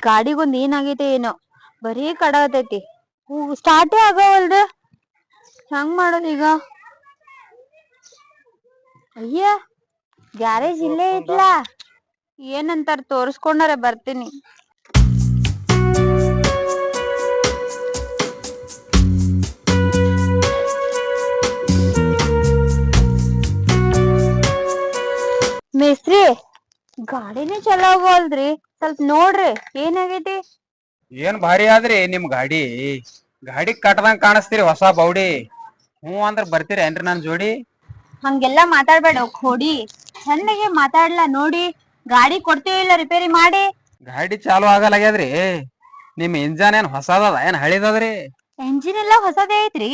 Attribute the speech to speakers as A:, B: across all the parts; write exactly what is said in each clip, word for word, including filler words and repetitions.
A: ಗಾಡಿಗೊಂದ್ ಏನಾಗೈತೆ ಏನೋ ಬರೀ ಕಡಾತೈತಿ. ಸ್ಟಾರ್ಟೇ ಆಗವಲ್ದ, ಹೆಂಗ್ ಮಾಡೋದ್ ಈಗ? ಅಯ್ಯ ಗ್ಯಾರೇಜ್ ಇಲ್ಲೇ ಐತ್ಲಾ, ಏನಂತಾರ ತೋರ್ಸ್ಕೊಂಡಾರ ಬರ್ತೀನಿ. ಮೇಸ್ತ್ರಿ ಗಾಡಿನೇ ಚಲೋ ಆಗವಲ್ದ್ರಿ, ಸ್ವಲ್ಪ ನೋಡ್ರಿ ಏನಾಗೈತಿ.
B: ಏನ್ ಭಾರಿ ಆದ್ರಿ ನಿಮ್ ಗಾಡಿ. ಗಾಡಿ ಕಟ್ಟದಂಗ ಕಾಣಿಸ್ತೀರಿ ಹೊಸ ಬೌಡಿ. ಹ್ಞೂ ಅಂದ್ರ ಬರ್ತೀರಿ ಏನ್ರಿ ನನ್ ಜೋಡಿ?
A: ಹಂಗೆಲ್ಲಾ ಮಾತಾಡ್ಬೇಡ ಖೋಡಿ, ಚಂದಗೆ ಮಾತಾಡ್ಲಾ. ನೋಡಿ ಗಾಡಿ ಕೊಡ್ತೀವಿ ಇಲ್ಲ ರಿಪೇರಿ ಮಾಡಿ.
B: ಗಾಡಿ ಚಾಲು ಆಗಲಾಗ್ಯದ್ರಿ. ನಿಮ್ ಇಂಜನ್ ಏನ್ ಹೊಸದದ ಏನ್ ಹಳಿದದ್ರಿ?
A: ಎಂಜಿನ್ ಎಲ್ಲಾ ಹೊಸದೇ ಐತ್ರಿ.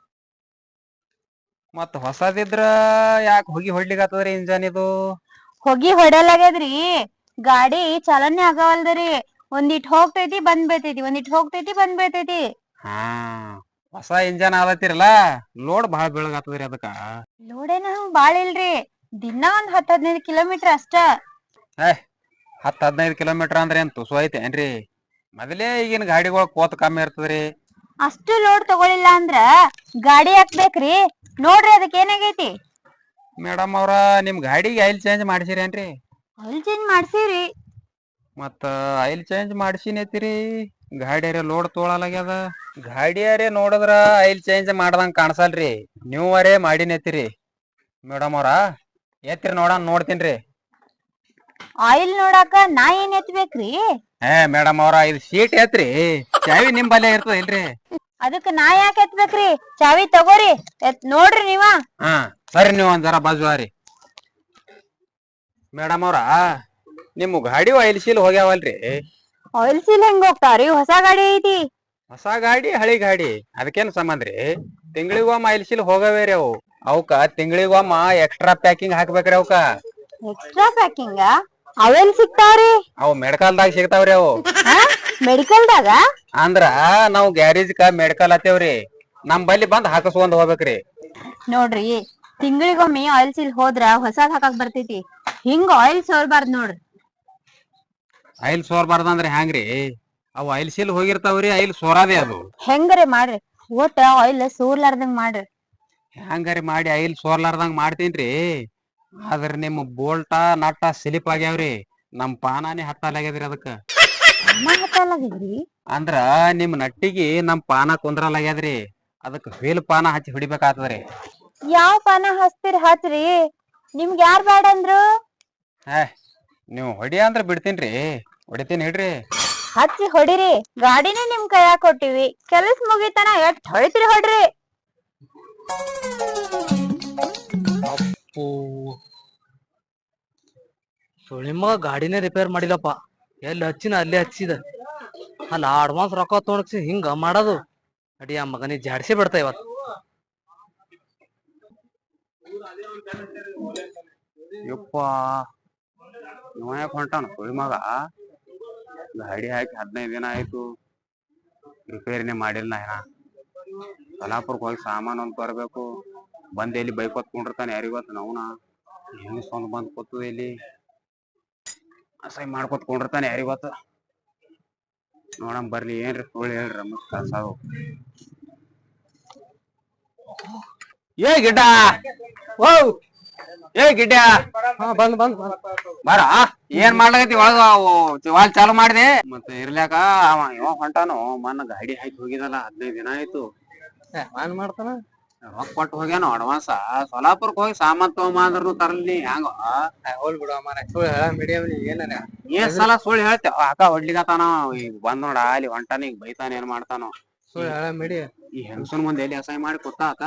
B: ಮತ್ ಹೊಸದಿದ್ರ ಯಾಕೆ ಹೊಗಿ ಹೊಡ್ಲಿಕತ್ತದ್ರಿ ಇಂಜನ್ ಇದು?
A: ಹೊಗಿ ಹೊಡಲಾಗ್ಯದ್ರಿ, ಗಾಡಿ ಚಾಲನೆ ಆಗವಲ್ದರಿ. ಒಂದಿಟ್ ಹೋಗ್ತೈತಿ ಬಂದ್ ಬೀಳ್ತೈತಿ, ಒಂದಿಟ್ ಹೋಗ್ತೈತಿ ಬಂದ್ ಬೀಳ್ತೈತಿ.
B: ಹಾ ಹೊಸ ಇಂಜನ್ ಆದತ್ತಿರಲ್ಲ, ಲೋಡ್ ಬಾಳ ಬೀಳಗತ್ತದ್ರಿ ಅದಕ್ಕ.
A: ಲೋಡೇನ ಹಂಗ್ ಬಾಳ ಇಲ್ರಿ, ದಿನಾ ಒಂದ್ ಹತ್ ಹದಿನೈದು ಕಿಲೋಮೀಟರ್ ಅಷ್ಟ.
B: ಏ ಹತ್ ಹದಿನೈದು ಕಿಲೋಮೀಟರ್ ಅಂದ್ರೆ ಏನ್ ತುಸು ಐತೆ ಏನ್ರಿ? ಮೊದಲೇ ಈಗಿನ ಗಾಡಿಗಳು ಕೋತ್ ಕಮ್ಮಿ ಇರ್ತದ್ರಿ.
A: ಅಷ್ಟು ಲೋಡ್ ತಗೊಳಿಲ್ಲ ಅಂದ್ರ ಗಾಡಿ ಹಾಕ್ಬೇಕ್ರಿ. ನೋಡ್ರಿ ಅದಕ್ ಏನಾಗೈತಿ.
B: ಮೇಡಮ್ ಅವ್ರ ನಿಮ್ ಗಾಡಿಗೆ ಆಯಿಲ್ ಚೇಂಜ್ ಮಾಡ್ಸಿರೇನ್ರಿ?
A: ಆಯಿಲ್ ಚೇಂಜ್ ಮಾಡ್ಸಿವ್ರಿ.
B: ಮತ್ತ ಆಯಿಲ್ ಚೇಂಜ್ ಮಾಡ್ಸಿನೈತಿರಿ, ಗಾಡಿಯರ ಲೋಡ್ ತೋಳಲಾಗ್ಯದ. ಗಾಡಿಯರೇ ನೋಡಿದ್ರ ಆಯಿಲ್ ಚೇಂಜ್ ಮಾಡ್ದಂಗ ಕಾಣಸಲ್ರಿ, ನೀವರೇ ಮಾಡಿನತಿರಿ. ಮೇಡಮ್ ಅವ್ರ ಎತ್ತಿರಿ ನೋಡನ್ ನೋಡ್ತೀನ್ರಿ.
A: ಆಯಿಲ್ ನೋಡಾಕ ನಾ ಏನ್ ಎತ್ಬೇಕ್ರಿ?
B: ಏ ಮೇಡಮ್ ಅವ್ರ ಇದು ಸೀಟ್ ಎತ್ರಿ, ಚಾವಿ ನಿಮ್ ಬಲ್ಲೆ ಇರ್ತದ ಇಲ್ರಿ?
A: ಅದಕ್ ನಾ ಯಾಕೆ ಎತ್ಬೇಕ್ರಿ? ಚಾವಿ ತಗೋರಿ, ಎತ್ ನೋಡ್ರಿ ನೀವ.
B: ಹಾ ಸರಿ, ನೀವ್ ಒಂದ್ ಜರ ಬಾಜುವಾರಿ. ಮೇಡಮ್ ಅವ್ರ ನಿಮ್ ಗಾಡಿ ಆಯಿಲ್ ಸೀಲ್ ಹೋಗ್ಯಾವಲ್ರಿ?
A: ಆಯಿಲ್ ಸೀಲ್ ಹೆಂಗ್ ಹೋಗ್ತಾವ್ರಿ? ಹೊಸ ಗಾಡಿ ಐತಿ.
B: ಹೊಸ ಗಾಡಿ ಹಳಿ ಗಾಡಿ ಅದಕ್ಕೇನ್ ಸಂಬಂಧ್ರಿ? ತಿಂಗಳಿಗೊಮ್ಮೆ ಆಯಿಲ್ ಸೀಲ್ ಹೋಗವೇರಿ ಅವು. ಅವಕ್ಕ ತಿಂಗಳಿಗೊಮ್ಮ ಎಕ್ಸ್ಟ್ರಾ ಪ್ಯಾಕಿಂಗ್ ಹಾಕ್ಬೇಕ್ರಿ ಅವಕ್ಕ.
A: ಎಕ್ಸ್ಟ್ರಾ ಪ್ಯಾಕಿಂಗ? ಅವೆಲ್ ಸಿಗ್ತಾವ್ರಿ?
B: ಅವ್ ಮೆಡಿಕಲ್ದಾಗ ಸಿಗ್ತಾವ್ರಿ ಅವು.
A: ಮೆಡಿಕಲ್ದಾಗ?
B: ಅಂದ್ರ ನಾವ್ ಗ್ಯಾರೇಜ್ ಕ ಮೆಡಿಕಲ್ ಹತ್ತೇವ್ರಿ, ನಮ್ ಬಲ್ಲಿ ಬಂದ್ ಹಾಕಸ್ಕೊಂಡ್ ಹೋಗ್ಬೇಕ್ರಿ.
A: ನೋಡ್ರಿ ತಿಂಗಳಿಗೊಮ್ಮೆ ಆಯಿಲ್ ಸೀಲ್ ಹೋದ್ರ ಹೊಸಾದ್ ಹಾಕಾಕ್ ಬರ್ತೈತಿ, ಹಿಂಗ ಆಯಿಲ್ ಸೋರ್ಬಾರ್ದ್ ನೋಡ್ರಿ.
B: ಆಯಿಲ್ ಸೋರ್ಬಾರ್ದಂದ್ರ ಹ್ಯಾಂಗ್ರಿ? ಅವ್ ಆಯಿಲ್ ಸೀಲ್ ಹೋಗಿರ್ತಾವ್ರಿ, ಆಯಿಲ್ ಸೋರಾದೆ ಅದು.
A: ಹೆಂಗರೆ ಮಾಡ್ರಿ, ಒಟ್ಟ ಆಯಿಲ್ ಸೋರ್ಲಾರ್ದಂಗ್ ಮಾಡ್ರಿ.
B: ಹ್ಯಾಂಗರಿ ಮಾಡಿ ಆಯಿಲ್ ಸೋರ್ಲಾರ್ದಂಗ ಮಾಡ್ತೀನ್ರಿ, ಆದ್ರ ನಿಮ್ ಬೋಲ್ಟ ನಟ್ಟ ಸಿಲಿಪ್ ಆಗ್ಯಾವ್ರಿ. ನಮ್ ಪಾನಾನಿ ಹತ್ತಲಾಗ್ಯದ್ರಿ ಅದಕ್ಕ.
A: ಹತ್ತಲಾಗ್ಯದ್ರಿ?
B: ಅಂದ್ರ ನಿಮ್ ನಟ್ಟಿಗಿ ನಮ್ ಪಾನ ಕುಂದ್ರಲಾಗ್ಯದ್ರಿ, ಅದಕ್ ವೀಲ್ ಪಾನ ಹಚ್ಚಿ ಹೊಡಿಬೇಕಾಗ್ತದ್ರಿ.
A: ಯಾವ ಪಾನ ಹಚ್ತೀರಿ ಹಚ್ರಿ, ನಿಮ್ಗ ಯಾರ್ ಬ್ಯಾಡ ಅಂದ್ರು?
B: ಹೇ ನೀವ್ ಹೊಡಿ ಅಂದ್ರ ಬಿಡ್ತೀನ್ರಿ, ಹೊಡಿತೀನ್ ಇಡ್ರಿ.
A: ಹಚ್ಚಿ ಹೊಡಿರಿ, ಗಾಡಿನೇ ನಿಮ್ ಕೈಯಾಗ ಕೊಟ್ಟಿವಿ, ಕೆಲ್ಸ ಮುಗಿತನ ಎಷ್ಟ್ ಹೊಡಿತೀರಿ ಹೊಡ್ರಿ.
C: ಅಪ್ಪು ಸುಳಿಮ ಗಾಡಿನೇ ರಿಪೇರ್ ಮಾಡಿದಪ್ಪ, ಎಲ್ಲಿ ಹಚ್ಚಿನ ಅಲ್ಲೇ ಹಚ್ಚಿದ. ಅಲ್ಲ ಅಡ್ವಾನ್ಸ್ ರೊಕ್ಕ ತೊಗೊಂಡ್ಸಿ ಹಿಂಗ ಮಾಡೋದು. ಅಡಿ ಆ ಮಗನಿ ಜಾಡ್ಸಿ ಬಿಡ್ತಾ ಇವತ್ತು.
B: ಯಪ್ಪ ಇವ ಯಾಕ್ ಹೊಂಟಾನ ಸುಳಿ ಮಗ? ಗಾಡಿ ಹಾಕಿ ಹದಿನೈದು ದಿನ ಆಯ್ತು, ರಿಪೇರಿನೇ ಮಾಡಿಲ್ಲ ಏನ. ಸೊಲ್ಲಾಪುರಕ್ಕೆ ಹೋಗಿ ಸಾಮಾನು ಒಂದ್ ತರ್ಬೇಕು, ಬಂದ್ ಎಲ್ಲಿ ಬೈಕೋತ್ ಕುಂಡಿರ್ತಾನ ಯಾರಿಗೊತ್ತು. ನವ್ನ ಹೆಂಗಸ್ ಒಂದ್ ಬಂದ್ ಕೂತದ ಇಲ್ಲಿ, ಅಸಹ್ಯ ಮಾಡ್ಕೊತ್ ಕುಂಡಿರ್ತಾನ ಯಾರಿಗೊತ್ತು. ನೋಡಮ್ ಬರ್ಲಿ, ಏನ್ರಿ ಸುಳ್ಳು ಹೇಳ್ರಿ ನಮಗ್ ಕಳ್ಸವು. ಏ ಗಿಡ್ಡ, ಓ ಏ ಗಿಡ್ಡ,
C: ಬಂದ್ ಬಂದ್
B: ಬಾರ. ಏನ್ ಮಾಡ್ಲಾಗತಿ ಒಳಗ? ವಾಲ್ ಚಾಲು ಮಾಡಿದೆ ಮತ್ತೆ ಇರ್ಲ್ಯಾಕ. ಅವ ಇವ ಹೊಂಟಾನು, ಮನ್ನ ಗಾಡಿ ಹಾಕಿ ಹೋಗಿದಲ್ಲ ಹದಿನೈದು ದಿನ ಆಯ್ತು.
C: ಏನ್ ಮಾಡ್ತಾನ?
B: ರೊಕ್ಕ ಕೊಟ್ಟು ಹೋಗ್ಯಾನು ಅಡ್ವಾನ್ಸ. ಸೊಲ್ಲಾಪುರಕ್ ಹೋಗಿ ಸಾಮಾನ್ ತಗೊಂಬ ಅಂದ್ರನು ತರಲಿ ಹ್ಯಾಂಗ?
C: ಹೋಲ್ ಬಿಡು ಮಾರಾಯ, ಸುಳ್ಳು ಹೇಳ ಮೀಡಿಯಂ ಏನಾರ
B: ಏನ್ ಸಲ ಸುಳ್ಳು ಹೇಳ್ತೇವ? ಅಕ್ಕ ಹೊಡ್ಲಿಕತ್ತಾನ, ಈಗ ಬಂದ್ ನೋಡ ಅಲ್ಲಿ ಹೊಂಟಾನ, ಈಗ ಬೈತಾನ ಏನ್ ಮಾಡ್ತಾನೋ.
C: ಸುಳ್ಳು ಹೇಳ ಮಿಡಿ.
B: ಈ ಹೆಂಗಸನ್ ಮುಂದೆ ಎಲ್ಲಿ ಅಸಹ್ಯ ಮಾಡಿ ಕೂತ ಆತ.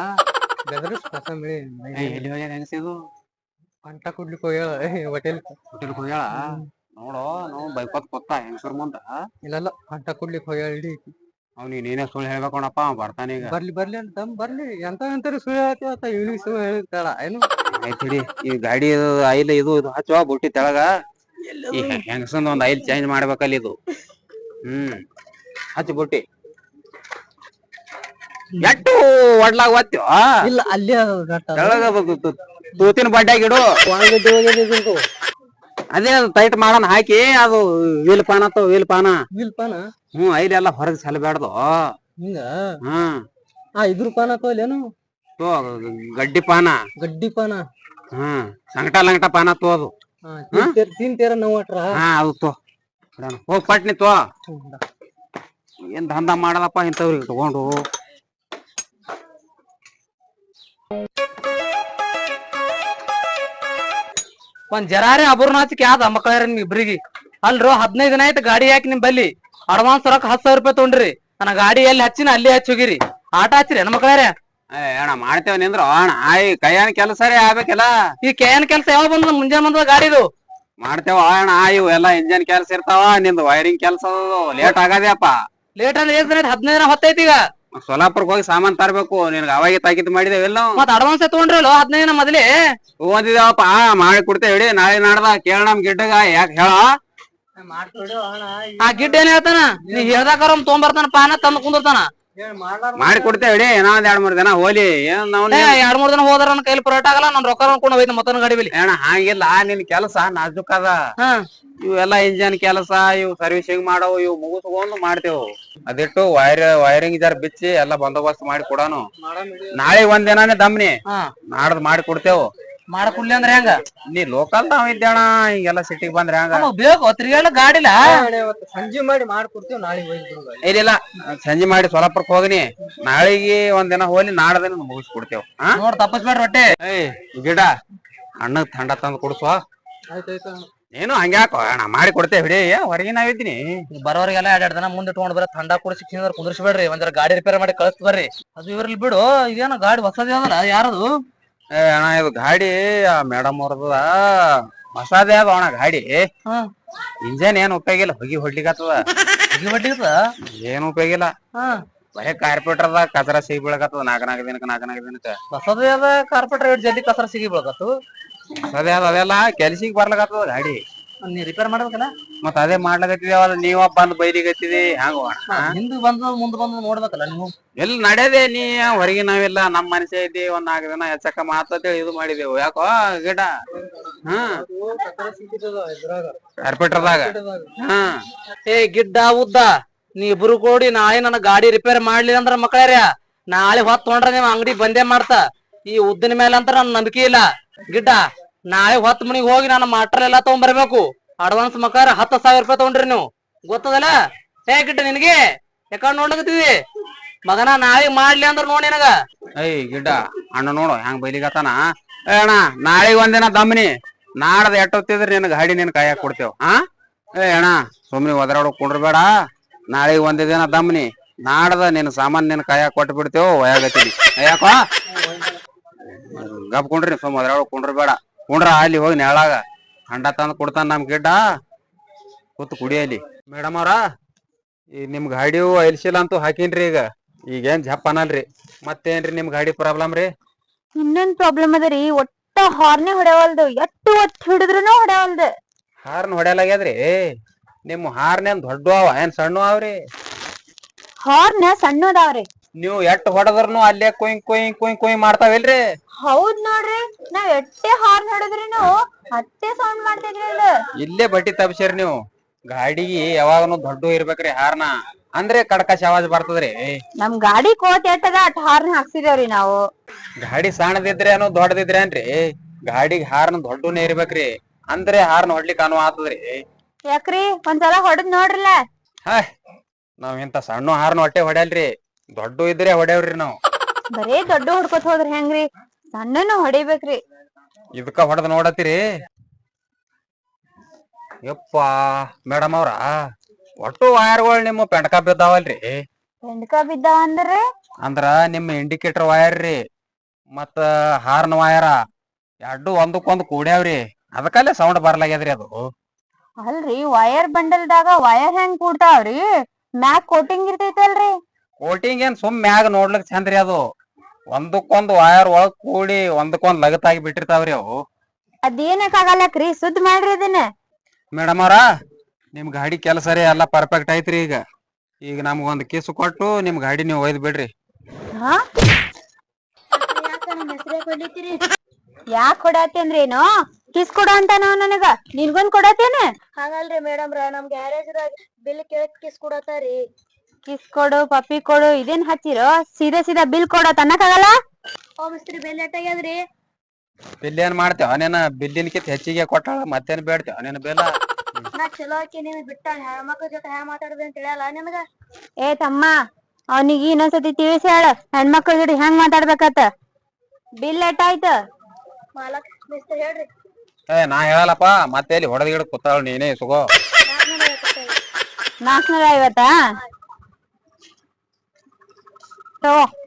B: ಎಲ್ಲಿ ಹೋಗ್ಯಾರ ಹೆಂಗಸಿದು?
C: ಅಂಟ ಕುಡ್ಲಿಕ್ಕೆ ಹೋಗ್ಯಾಳ ಹೋಟೆಲ್
B: ಹೋಟೆಲ್ಗೆ ಹೋಗ್ಯಾಳ. ನೋಡು ನಾವು ಬೈಕೋತ್ ಕೂತ ಹೆಂಗಸರ್ ಮುಂದ.
C: ಇಲ್ಲಲ್ಲ ಅಂಟ ಕುಡ್ಲಿಕ್ಕೆ ಹೋಗ್ಯಾಳ. ಇಡೀ
B: ಅವ್ನಿಗೆ ನೀನೇ ಸುಳ್ಳು ಹೇಳ್ಬೇಕಣಪ್ಪ, ಬರ್ತಾನ ಈಗ.
C: ಬರ್ಲಿ ಬರ್ಲಿ ಅಂತ ಬರ್ಲಿ, ಎಂತ ಎಂತ ಸುಳ್ಳು ಹೇಳ್ತೇವತ್ತ ಇವ್ನಿಗೆ ಸುಳ್ಳು ಹೇಳಿರ್ತಾಳ ಏನು?
B: ಆಯ್ತ್ ಹಿಡಿ, ಈ ಗಾಡಿ ಆಯಿಲ್ ಇದು ಇದು ಹಚ್ಚುವ ಬುಟ್ಟಿ ತೆಳಗ. ಈ ಹೆಂಗಸಂದ ಒಂದ್ ಆಯಿಲ್ ಚೇಂಜ್ ಮಾಡ್ಬೇಕಲ್ಲ ಇದು. ಹ್ಮ್ ಹಚ್ಚಿ ಬುಟ್ಟಿ. ಎಟ್ಟು ಒಡ್ಲಾಗ ಒತ್ತೀವ?
C: ಇಲ್ಲ ಅಲ್ಲೇ
B: ತೆಳಗ ತೂತಿನ ಬಡ್ಡ್ಯಾಗ ಇಡು. ಅದೇ ಅದು ಟೈಟ್ ಮಾಡೋಣ ಹಾಕಿ ಅದು ವೀಲ್ ಪಾನ ಅಥವಾ ವೀಲ್ ಪಾನ
C: ವೀಲ್ ಪಾನ
B: ಹ್ಮ್ ಐಲಿ ಎಲ್ಲ ಹೊರಗ್ ಸಲಬೇಡ್ದು
C: ಹಿಂಗ
B: ಹ್ಮ್
C: ಆ ಇದ್ರ ಪಾನ ತೋಲೇನು
B: ತೋ ಗಡ್ಡಿ ಪಾನ
C: ಗಡ್ಡಿ ಪಾನ
B: ಹ್ಮ್ ಸಂಕಟ ಲಂಗಟ ಪಾನ ತೋದು
C: ತಿನ್ ತೇರ ನೋವಟ್ರ
B: ಹಾ ಅದು ತೋ ಹೋಗ್ ಪಟ್ನಿ ತೋ ಏನ್ ದಂಧ ಮಾಡದಪ್ಪ ಇಂಥವ್ರಿಗೆ ತಗೊಂಡು
C: ಒಂದ್ ಜರಾರಿ ಅಬುರ್ನಾಚಿಕ್ ಯಾವ್ದ ಮಕ್ಕಳ ನಿಮ್ ಇಬ್ರಿಗೆ ಅಲ್ರು ಹದಿನೈದು ದಿನ ಆಯ್ತು ಗಾಡಿ ಹಾಕಿ ನಿಮ್ ಬಲ್ಲಿ ಅಡ್ವಾನ್ಸ್ ರೊಕ್ಕ ಹತ್ತು ಸಾವಿರ ರೂಪಾಯಿ ತೊಗೊಂಡ್ರಿ ನನ್ನ ಗಾಡಿ ಎಲ್ಲಿ ಹಚ್ಚಿನ ಅಲ್ಲಿ ಹಚ್ಚಿ ಹೋಗಿರಿ ಆಟ ಹಚ್ಚಿರಿ ಹೆಣ್ಮಕ್ಳಾರ ಮಕ್ಕಳಾರೆ
B: ಅಣ್ಣ ಮಾಡ್ತೇವ ನಿಂದ್ರು ಅಣ್ಣ ಆಯ್ ಕೈಯನ್ ಕೆಲಸ ಆಗ್ಬೇಕಲ್ಲ
C: ಈ ಕೇನ್ ಕೆಲ್ಸ ಯಾವಾಗ ಬಂದ ಮುಂಜಾನೆ ಬಂದ ಗಾಡಿದು
B: ಮಾಡ್ತೇವ ಅಣ್ಣ ಇವು ಎಲ್ಲಾ ಇಂಜನ್ ಕೆಲ್ಸ ಇರ್ತಾವ ನಿಂದು ವೈರಿಂಗ್ ಕೆಲ್ಸ ಲೇಟ್ ಆಗದೇಪ್ಪ
C: ಲೇಟ್ ಅಂದ್ರೆ ಏನ್ ದಿನ ಹದಿನೈದು ದಿನ ಹೊತ್ತೈತಿ ಈಗ
B: ಸೋಲಾಪುರ್ಕ್ ಹೋಗಿ ಸಾಮಾನ್ ತರ್ಬೇಕು ನಿನ್ಗ ಅವಾಗೆ ತಾಕಿದ್ ಮಾಡಿದೇವೆಲ್ಲ
C: ಮತ್ ಅಡ್ವಾನ್ಸ್ ತಗೊಂಡ್ರಲ್ಲ ಹದಿನೈದು ದಿನ ಮೊದಲೇ
B: ಓದಿದೇವಪ್ಪ ಮಾಡಿ ಕೊಡ್ತೇವೆ ನಾಳೆ ನಾಡ್ದ ಕೇಳ ನಮ್ ಗಿಡ್ಡಗ ಯಾಕೆ ಹೇಳ
C: ಆ ಗಿಡ್ಡ ಏನ್ ಹೇಳ್ತಾನ ನೀ ಹೇಳ್ದಾಕಾರ ತೊಗೊಂಬರ್ತಾನ ಪಾನ ತಂದ್ ಕುಂದಿರ್ತಾನ
B: ಮಾಡಿ ಕೊಡ್ತೇವೆ ಇನ್ನೊಂದ್ ಎರಡ್ ಮೂರ್ ದಿನ ಹೋಲಿ ಏನ್ ನಾವ್
C: ಎರಡ್ ಮೂರ್ ದಿನ ಹೋದ್ರ ನನ್ನ ಕೈಲಿ ಪರೋಟ ಆಗಲ್ಲ ನನ್ ರೊಕ್ಕ ಅನ್ಕೊಂಡು ಹೋಯ್ತು ಮತ್ತೊಂದ್ ಗಾಡಿ ಬಲಿ
B: ಅಣ್ಣ ಹಂಗಿಲ್ಲ ನಿನ್ ಕೆಲಸ ನಾಜುಕ್ ಅದ ಇವೆಲ್ಲಾ ಇಂಜನ್ ಕೆಲಸ ಇವು ಸರ್ವಿಸಿಂಗ್ ಮಾಡವು ಇವು ಮುಗಿಸ್ಕೊಂಡು ಮಾಡ್ತೇವು ಅದಿಟ್ಟು ವೈರ್ ವೈರಿಂಗ್ ಜರ ಬಿಚ್ಚಿ ಎಲ್ಲಾ ಬಂದೋಬಸ್ತ್ ಮಾಡಿ ಕೊಡೋನು ನಾಳೆ ಒಂದ್ ದಿನಾನೇ ದಮ್ನಿ ನಾಡ್ದ್ ಮಾಡಿ ಕೊಡ್ತೇವು
C: ಮಾಡ ಕುಡ್ಲಿ ಅಂದ್ರೆ ಹೆಂಗ
B: ನೀ ಲೋಕಲ್ ನಾವ್ ಇದ್ದೇಣ ಹಿಂಗೆಲ್ಲಾ ಸಿಟಿಗ್ ಬಂದ್ರೆ ಹೆಂಗ
C: ಬೇಕು ತಿರ್ಗಾಡ ಗಾಡಿಲ್ಲ
D: ಸಂಜೆ ಮಾಡಿ ಮಾಡ್ಕೊಡ್ತೀವಿ ನಾಳೆ
B: ಇಲ್ಲ ಸಂಜೆ ಮಾಡಿ ಸೋಲಾಪುರಕ್ ಹೋಗಿನಿ ನಾಳೆಗೆ ಒಂದ್ ದಿನ ಹೋಗಿ ನಾಡ್ದಿನ ಮುಗಿಸ್ಕೊಡ್ತೇವ್
C: ನೋಡ್ ತಪ್ಪಸ್ಬೇಡ್ರಿ ಹೊಟ್ಟೆ
B: ಏಯ್ ಗಿಡ ಅಣ್ಣಗ್ ಥಂಡ ತಂದ್ ಕುಡ್ಸುವ
D: ಆಯ್ತಾಯ್ತು
B: ಏನು ಹಂಗ್ಯಾಕೋ ಅಣ್ಣ ಮಾಡಿ ಕೊಡ್ತೇವೆ ಹಿಡಿ ಹೊರಗೆ ನಾವಿದ್ದೀನಿ
C: ಬರೋರಿಗೆಲ್ಲ ಎರಡ್ ಎರಡ್ ದಿನ ಮುಂದೆ ಇಟ್ಕೊಂಡ್ ಬರ ಥಂಡ ಕುಡಿಸಿ ಕುಂದ್ರಿಸ್ಬೇಡ್ರಿ ಒಂದ್ ಗಾಡಿ ರಿಪೇರ್ ಮಾಡಿ ಕಳಿಸ್ ಬರ್ರಿ ಅದು ಇವ್ರಲ್ಲಿ ಬಿಡು ಇದೇನೋ ಗಾಡಿ ಹೊಸದೇ ಅದಲ್ಲ ಯಾರದು
B: ಏ ಅಣ್ಣ ಇದು ಗಾಡಿ ಮೇಡಮ್ ಅವ್ರದ ಹೊಸದೇ ಅದ ಅಣ್ಣ ಗಾಡಿ ಇಂಜನ್ ಏನ್ ಉಪಯೋಗ ಇಲ್ಲ ಹೊಗಿ ಹೊಡ್ಲಿಕತ್ತದ
C: ಬಡ್ಡಿ
B: ಏನ್ ಉಪಯೋಗ ಇಲ್ಲ ಬರೇ ಕಾರ್ಪೆಟ್ರದ ಕಚರ ಸಿಗಿ ಬೀಳಕತ್ತದ ನಾಲ್ಕ ನಾಲ್ಕು ದಿನಕ್ಕ ನಾಲ್ಕ ನಾಲ್ಕು ದಿನಕ್ಕ
C: ಹೊಸದೇ ಅದ ಕಾರ್ಪೆಟ್ ರೇಟ್ ಜಲ್ದಿ ಕಸರ ಸಿಗಿ ಬೀಳಕತ್ತು
B: ಹೊಸದೇ ಅದ ಅದೆಲ್ಲ ಕೆಲ್ಸಿಗೆ ಬರ್ಲಕತ್ತದ ಗಾಡಿ
C: ನೀ ರಿಪೇರ್ ಮಾಡ್ಬೇಕಲ್ಲ
B: ಮತ್ ಅದೇ ಮಾಡ್ಲಕತ್ತಿದೇವಲ್ಲ ನೀವ ಬಂದ್ ಬೈಲಿಗತ್ತಿದಿ ಹ್ಯಾಂಗ
C: ಹಿಂದ್ ಬಂದ ಮುಂದ್ ಬಂದ್ ನೋಡ್ಬೇಕಲ್ಲ ನೀವು
B: ಎಲ್ಲಿ ನಡೆಯದೆ ನೀ ಹೊರಗೆ ನಾವಿಲ್ಲ ನಮ್ ಮನುಷ್ಯ ಇದ್ದಿ ಒಂದ್ ನಾಲ್ಕು ದಿನ ಹೆಚ್ಚಕ್ಕ ಮಾತೇಳಿ ಇದು ಮಾಡಿದೆವು ಯಾಕೋ ಗಿಡ ಹ್ಮ್ ಕಾರ್ಪೆಟ್ರದಾಗ ಹ್ಮ್
C: ಏ ಗಿಡ್ಡ ಉದ್ದ ನೀ ಇಬ್ರು ಕೂಡಿ ನಾಳೆ ನನ್ನ ಗಾಡಿ ರಿಪೇರ್ ಮಾಡ್ಲಿಲ್ಲ ಅಂದ್ರ ಮಕ್ಕಳ್ಯಾರ ನಾಳೆ ಹೊತ್ ತೊಗೊಂಡ್ರ ನೀವ್ ಅಂಗಡಿ ಬಂದೇ ಮಾಡ್ತಾ ಈ ಉದ್ದಿನ ಮೇಲೆ ಅಂತ ನನ್ ನಂಬಿಕೆ ಇಲ್ಲ ಗಿಡ್ಡ ನಾಳೆ ಹೊತ್ ಮನಿಗ್ ಹೋಗಿ ನಾನು ಮಾಟ್ರಲ್ ಎಲ್ಲಾ ತಗೊಂಡ್ ಬರ್ಬೇಕು ಅಡ್ವಾನ್ಸ್ ಮಕ್ಕಾರ ಹತ್ತು ಸಾವಿರ ರೂಪಾಯಿ ತಗೊಂಡ್ರಿ ನೀವು ಗೊತ್ತದಲ್ಲ ಏ ಗಿಡ್ಡ ನಿನಗೆ ಯಾಕಂಡ್ ನೋಡ್ಲಕತ್ತಿದಿ ಮಗನ ನಾಳೆ ಮಾಡ್ಲಿ ಅಂದ್ರ ನೋಡಿ ನನಗ
B: ಐ ಗಿಡ್ಡ ಅಣ್ಣ ನೋಡು ಹೆಂಗ್ ಬೈಲಿಗತ್ತಾನ ಏ ಅಣ್ಣ ನಾಳೆಗ್ ಒಂದಿನ ದಮ್ಮನಿ ನಾಡದ ಎಟ್ಟೊತ್ತಿದ್ರೆ ನಿನ್ ಗಾಡಿ ನಿನ್ ಕೈಯಾಗ ಕೊಡ್ತೇವ್ ಹಾ ಏ ಅಣ್ಣ ಸುಮ್ನೆ ಒದರಾಡೋ ಕುಂಡ್ರಬೇಡ ನಾಳೆಗ್ ಒಂದ್ ದಿನ ದಮ್ಮನಿ ನಾಡದ ನಿನ್ ಸಾಮಾನ್ ನಿನ್ ಕೈಯಾಗ ಕೊಟ್ಟು ಬಿಡ್ತೇವ್ ಒಯ್ಯಾಗತ್ತೀನಿ ಯಾಕೋ ಗಪ್ ಕುಂಡ್ರಿ ಸುಮ್ ಒದರಾಡೋ ಕುಂಡ್ರಬೇಡ ಕುಂಡ್ರ ಅಲ್ಲಿ ಹೋಗಿ ನೆಳಾಗ ಅಂಡ ತಂದ್ ಕೊಡ್ತಾನ ನಮ್ ಗಿಡ್ಡ ಕೂತ್ ಕುಡಿಯಲಿ ಮೇಡಮ್ ಅವ್ರ ಈಗ ನಿಮ್ ಗಾಡಿ ಐಲ್ಸಿಲ್ಲ ಅಂತೂ ಹಾಕಿನ್ರಿ ಈಗ ಈಗೇನ್ ಜಪ್ ಅನ್ನಲ್ರಿ ಮತ್ತೇನ್ರಿ ನಿಮ್ ಗಾಡಿ ಪ್ರಾಬ್ಲಮ್ ರೀ
A: ಇನ್ನೇನ್ ಪ್ರಾಬ್ಲಮ್ ಅದ ರೀ ಒಟ್ಟ ಹಾರ್ನೆ ಹೊಡೆವಲ್ದು ಎಷ್ಟು ಒಟ್ಟು ಹಿಡಿದ್ರುನು ಹೊಡೆವಲ್ದು
B: ಹಾರ್ನ್ ಹೊಡೆಯಲಾಗ್ಯದ್ರಿ ನಿಮ್ ಹಾರ್ನೇನ್ ದೊಡ್ಡ ಅವ ಏನ್ ಸಣ್ಣ ಅವ್ರಿ
A: ಹಾರ್ನ ಸಣ್ಣದಾವ್ರಿ
B: ನೀವು ಎಷ್ಟ್ ಹೊಡೆದ್ರನು ಅಲ್ಲೇ ಕೊಯ್ ಕೊಯ್ ಕೊಯ್ ಕೊಯ್ ಮಾಡ್ತಾವಿಲ್ರಿ
A: ಹೌದ್ ನೋಡ್ರಿ ನಾವ್ ಎಟ್ಟೆ ಹಾರ್ನ್ ಹೊಡೆದ್ರಿನು ಅಟ್ಟೆ ಸೌಂಡ್ ಮಾಡ್ತಿದ್ರಿ ಅದು
B: ಇಲ್ಲೇ ಬಟ್ಟಿ ತಪ್ಸಿರಿ ನೀವು ಗಾಡಿಗೆ ಯಾವಾಗನು ದೊಡ್ಡ ಇರ್ಬೇಕ್ರಿ ಹಾರ್ನ ಅಂದ್ರೆ ಕಡ್ಕಶ್ ಆವಾಜ್ ಬರ್ತದ್ರಿ
A: ನಮ್ ಗಾಡಿ ಕೋತ್ ಎಟ್ಟದ ಅಟ್ ಹಾರ್ನ್ ಹಾಕ್ಸಿದೇವ್ರಿ ನಾವು
B: ಗಾಡಿ ಸಣ್ಣದಿದ್ರೆ ಏನೋ ದೊಡ್ಡದಿದ್ರೆ ಏನ್ರಿ ಗಾಡಿಗೆ ಹಾರ್ನ್ ದೊಡ್ಡನೇ ಇರ್ಬೇಕ್ರಿ ಅಂದ್ರೆ ಹಾರ್ನ್ ಹೊಡ್ಲಿಕ್ಕೆ ಅನುವ ಆತದ್ರಿ
A: ಯಾಕ್ರಿ ಒಂದ್ಸಲ ಹೊಡೆದ್ ನೋಡ್ರಲ್ಲ
B: ಹಾಯ್ ನಾವ್ ಇಂತ ಸಣ್ಣ ಹಾರ್ನ್ ಹೊಟ್ಟೆ ಹೊಡ್ಯಲ್ರಿ ದೊಡ್ಡ ಇದ್ರೆ ಹೊಡೆಯವ್ರಿ ನಾವ್
A: ಬರೇ ದೊಡ್ಡ ಹೊಡ್ಕೊತ ಹೋದ್ರಿ ಹೆಂಗ್ರಿ ಸಣ್ಣನು ಹೊಡಿಬೇಕ್ರಿ
B: ಇದಕ್ಕ ಹೊಡೆದ್ ನೋಡತ್ತೀರಿ ಯಪ್ಪ ಮೇಡಮ್ ಅವ್ರ ಒಟ್ಟು ವಯರ್ಗಳು ನಿಮ್ಮ ಪೆಂಡ್ಕ ಬಿದ್ದಾವಲ್ರಿ
A: ಬೆಂಡ್ಕ ಬಿದ್ದಾವ ಅಂದ್ರಿ
B: ಅಂದ್ರ ನಿಮ್ ಇಂಡಿಕೇಟರ್ ವಯರ್ ರೀ ಮತ್ತ ಹಾರ್ನ್ ವಯರ ಎರಡು ಒಂದಕ್ಕೊಂದ್ ಕೂಡ್ಯಾವ್ರಿ ಅದಕ್ಕಲ್ಲೇ ಸೌಂಡ್ ಬರ್ಲಾಗ್ಯದ್ರಿ ಅದು
A: ಅಲ್ರಿ ವಯರ್ ಬಂಡಲ್ದಾಗ ವಯರ್ ಹೆಂಗ್ ಕೂಡ್ತಾವ್ರಿ ಮ್ಯಾಕ್ ಕೋಟಿಂಗ್ ಇರ್ತೈತಲ್ರಿ
B: ಕೋಟಿಂಗ್ ಏನ್ ಸುಮ್ ಮ್ಯಾಗ ನೋಡ್ಲಿಕ್ ಚಂದ್ರಿ ಅದು ಒಂದಕ್ಕೊಂದ್ ವಯರ್ ಒಳಗ್ ಕೂಡಿ ಒಂದಕ್ಕೊಂದ್ ಲಗತ್ತಾಗಿ ಬಿಟ್ಟಿರ್ತಾವ್ರಿ ಅವು
A: ಅದೇನಕ್ಕಾಗಲ್ಲಕ್ರಿ ಸುದ್ದ್ ಮಾಡ್ರಿ ಅದನ್ನ
B: ಮೇಡಮ್ ಅವ್ರ ನಿಮ್ ಗಾಡಿ ಕೆಲಸ ರೀ ಎಲ್ಲಾ ಪರ್ಫೆಕ್ಟ್ ಐತ್ರಿ ಈಗ ಈಗ ನಮ್ಗೊಂದ್ ಕಿಸ್ ಕೊಟ್ಟು ನಿಮ್ ಗಾಡಿ ನೀವು ಒಯ್ದ್ ಬಿಡ್ರಿ
A: ಯಾಕ್ ಹೊಡಾತೇನ್ರೇನು ಕಿಸ್ ಕೊಡು ಅಂತ ನಾವ್ ನನಗ ನಿನ್ಗೊಂದ್ ಕೊಡತೇನೆ.
E: ಹಂಗಲ್ರಿ ಮೇಡಮ್ ರ ನಮ್ ಗ್ಯಾರೇಜ್ದಾಗ ಬಿಲ್ ಕೇಳಕ್ ಕಿಸ್ ಕೊಡತಾರಿ.
A: ಕಿಸ್ ಕೊಡು ಪಪ್ಪಿ ಕೊಡು ಇದೇನ್ ಹಚ್ಚಿರೋ ಸೀದಾ ಸೀದಾ ಬಿಲ್ ಕೊಡೋ ತನ್ನಕಾಗಲ್ಲ.
E: ಓ ಮಿಸ್ತ್ರಿ ಬಿಲ್ ಎಟ್ಟಾಗ್ಯದ್ರಿ?
B: ಬಿಲ್ ಏನ್ ಮಾಡ್ತೇವ ನೀನ ಬಿಲ್ಲಿನ್ಕಿಂತ ಹೆಚ್ಚಿಗೆ ಕೊಟ್ಟಾಳ ಮತ್ತೇನ್ ಬೇಡ್ತೇವ ನೀನ್ ಬಿಲ್ಲ.
E: ನಾ ಚಲೋ ಆಕಿ ನೀನ್ ಬಿಟ್ಟ ಹೆಣ್ಮಕ್ಳ ಜೊತೆ ಹ್ಯಾ ಮಾತಾಡುದು ಅಂತ ತಿಳಿಯಲ್ಲ ನಿನಗ?
A: ಏ ತಮ್ಮ ಅವನಿಗೆ ಇನ್ನೊಂದ್ಸತಿ ತಿಳಿಸಿ ಹೇಳ ಹೆಣ್ಮಕ್ಳ ಜೋಡಿ ಹೆಂಗ್ ಮಾತಾಡ್ಬೇಕತ್ತ. ಬಿಲ್ ಎಟ್ಟಾಯ್ತು?
E: ಮಾಲಕ್ ಮಿಸ್ತ್ರಿ ಹೇಳ್ರಿ.
B: ಏ ನಾ ಹೇಳಲ್ಲಪ್ಪ ಮತ್ತೆ ಎಲ್ಲಿ ಹೊಡೆದ ಗಿಡ ಕೂತಾಳ ನೀನೇ ಸುಗೋ.
E: ನಾಲ್ಕುನೂರ ಐವತ್ತೈದು.
A: ನಾಲ್ಕನೂರ ಐವತ್ತಾ? ತಗೋ